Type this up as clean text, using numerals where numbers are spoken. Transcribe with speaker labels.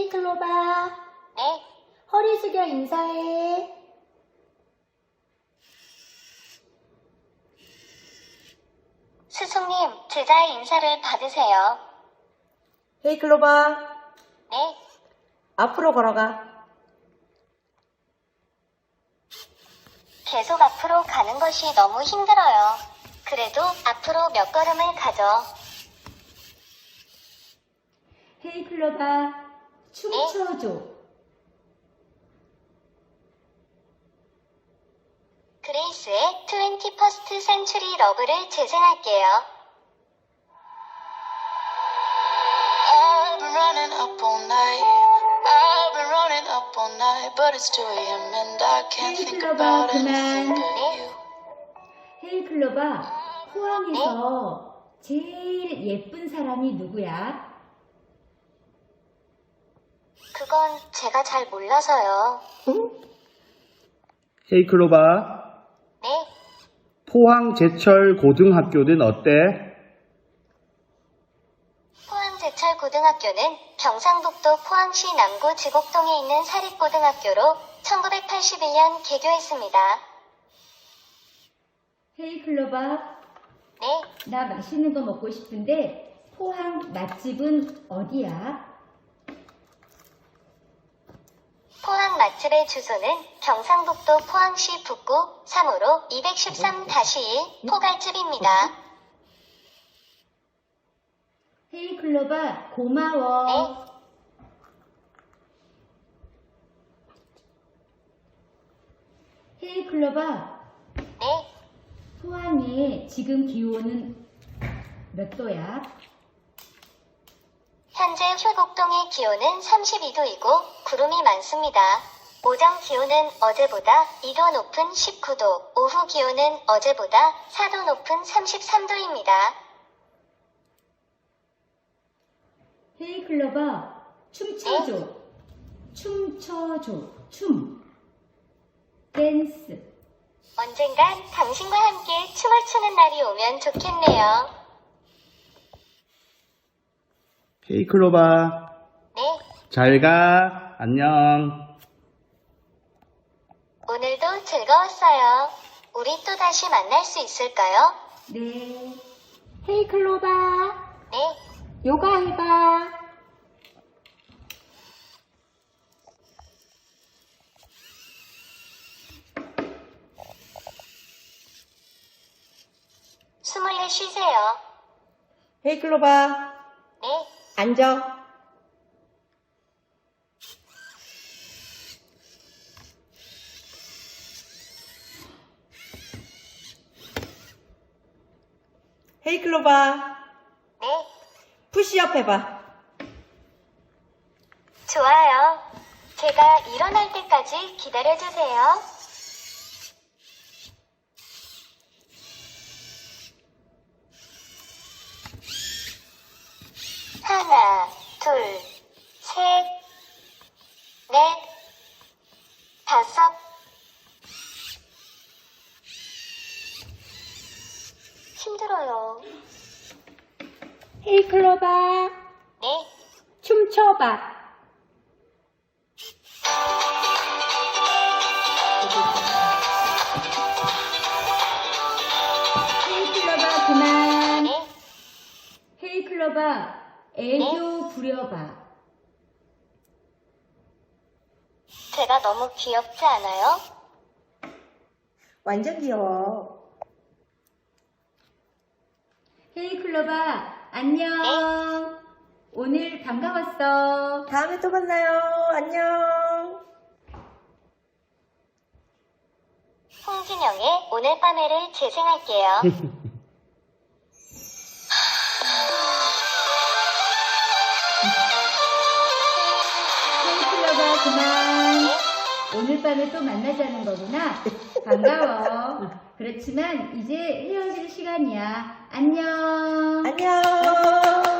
Speaker 1: 헤이 클로바.
Speaker 2: 네.
Speaker 1: 허리 숙여 인사해.
Speaker 2: 스승님, 제자의 인사를 받으세요.
Speaker 1: 헤이 클로바.
Speaker 2: 네.
Speaker 1: 앞으로 걸어가.
Speaker 2: 계속 앞으로 가는 것이 너무 힘들어요. 그래도 앞으로 몇 걸음을 가죠.
Speaker 1: 헤이 클로바. 춤춰줘.
Speaker 2: 그레이스의 21st Century Love를 재생할게요.
Speaker 3: I've been running up all night. I've been running up all night, but it's 2 a.m. and I can't
Speaker 1: 헤이
Speaker 3: think
Speaker 1: 클로바
Speaker 3: about
Speaker 1: 그만.
Speaker 3: anything but you.
Speaker 1: 헤이 클로바. 포항에서 제일 예쁜 사람이 누구야?
Speaker 2: 그건 제가 잘 몰라서요.
Speaker 4: 헤이 클로바,
Speaker 2: 네.
Speaker 4: 포항 제철 고등학교는 어때?
Speaker 2: 포항제철고등학교는 경상북도 포항시 남구 지곡동에 있는 사립고등학교로 1981년 개교했습니다.
Speaker 1: 헤이 클로바.
Speaker 2: 네.
Speaker 1: 나 맛있는 거 먹고 싶은데 포항 맛집은 어디야?
Speaker 2: 포항 맛집의 주소는 경상북도 포항시 북구 3호로 213-1 포갈집입니다.
Speaker 1: 헤이 클로바 고마워.
Speaker 2: 네.
Speaker 1: 헤이 클로바.
Speaker 2: 네.
Speaker 1: 포항에 지금 기온은 몇 도야?
Speaker 2: 현재 효곡동의 기온은 32도이고 구름이 많습니다. 오전 기온은 어제보다 2도 높은 19도, 오후 기온은 어제보다 4도 높은 33도입니다.
Speaker 1: 헤이 클로바 춤춰줘. 춤춰줘. 춤. 댄스.
Speaker 2: 언젠간 당신과 함께 춤을 추는 날이 오면 좋겠네요.
Speaker 4: 헤이 클로바,
Speaker 2: 네.
Speaker 4: 잘 가. 안녕.
Speaker 2: 오늘도 즐거웠어요. 우리 또 다시 만날 수 있을까요?
Speaker 1: 네. 헤이 클로바.
Speaker 2: 네.
Speaker 1: 요가 해봐.
Speaker 2: 숨을 내쉬세요.
Speaker 1: 헤이 클로바.
Speaker 2: 네.
Speaker 1: 앉아. 헤이 클로바.
Speaker 2: 네.
Speaker 1: 푸시업 해봐.
Speaker 2: 좋아요. 제가 일어날 때까지 기다려주세요. 하나, 둘, 셋, 넷, 다섯. 힘들어요.
Speaker 1: 헤이 클로바.
Speaker 2: 네.
Speaker 1: 춤춰봐. 헤이 클로바 그만.
Speaker 2: 네.
Speaker 1: 헤이 클로바 애교 부려봐.
Speaker 2: 제가 너무 귀엽지 않아요?
Speaker 1: 완전 귀여워. 헤이 클로바 안녕. 오늘 반가웠어. 다음에 또 만나요. 안녕.
Speaker 2: 홍진영의 오늘 밤에를 재생할게요.
Speaker 1: 헤이 클로바 그만. 오늘 밤에 또 만나자는 거구나. 반가워. 그렇지만 이제 헤어질 시간이야. 안녕.
Speaker 5: 안녕.